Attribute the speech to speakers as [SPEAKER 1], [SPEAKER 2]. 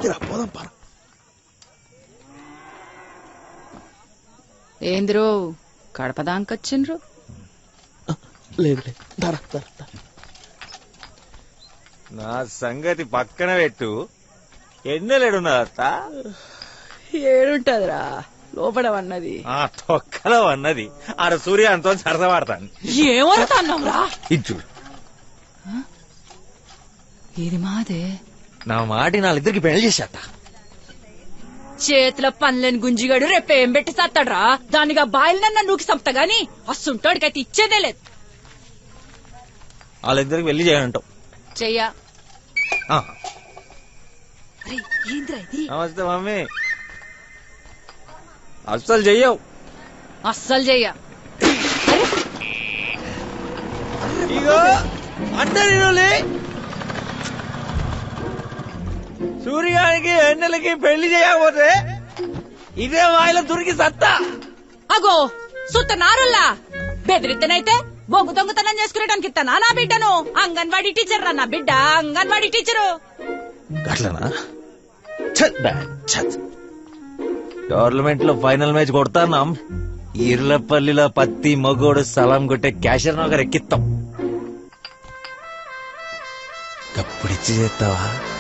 [SPEAKER 1] ఏందిరా పోదాం పార.
[SPEAKER 2] ఏందిరో కడపదాంకొచ్చిండ్రు?
[SPEAKER 1] లేదు ధర
[SPEAKER 3] నా సంగతి పక్కన పెట్టు. ఎన్నెలేడున్నదత్త?
[SPEAKER 2] ఏడుంటదిరా లోపల అన్నది.
[SPEAKER 3] ఆ తొక్కలో అన్నది ఆడ సూర్యాంతో సరసవాడతాను.
[SPEAKER 2] ఏమవుతాన్నావురా?
[SPEAKER 3] ఇచ్చు
[SPEAKER 2] ఇది మాదే.
[SPEAKER 3] నా మాటి నాళ్ళిద్దరికి పెళ్లి చేసేట.
[SPEAKER 2] చేతిలో పనులేని గుంజిగాడు రేపేం పెట్టి సత్తాడ్రా? దానిగా బాయిలనన్నా నూకి సంపుతా గాని అస్సుంటోడికైతే ఇచ్చేదే లేదు.
[SPEAKER 3] వాళ్ళిద్దరికి పెళ్లి చేయనంటావు.
[SPEAKER 2] చెయ్యా.
[SPEAKER 3] ఆ.
[SPEAKER 2] ఏంద్రా ఇది?
[SPEAKER 3] నమస్తే మమ్మీ. అస్సలు చెయ్యవు.
[SPEAKER 2] అస్సలు చెయ్యా.
[SPEAKER 3] ఇగో అంటే సూర్యానికి ఎన్నెలకి పెళ్లి చేయకపోతే ఇదే వాయిలో దొరికి సత్తా.
[SPEAKER 2] అగో సుత్త నారుల్లా బెదిరిద్దనైతే బొగ్గు దొంగతనం చేసుకునేటానికి ఇస్తానా నా బిడ్డను? అంగన్వాడీ టీచర్ రా నా బిడ్డ, అంగన్వాడీ టీచరు.
[SPEAKER 3] అట్లనా? టోర్నమెంట్ లో ఫైనల్ మ్యాచ్ కొడతాన్నాం. ఈర్లపల్లిలో పత్తి మగోడు సలాం కొట్టే క్యాషర్ నగర్ ఎక్కిస్తాం. అప్పుడు ఇచ్చి చేస్తావా?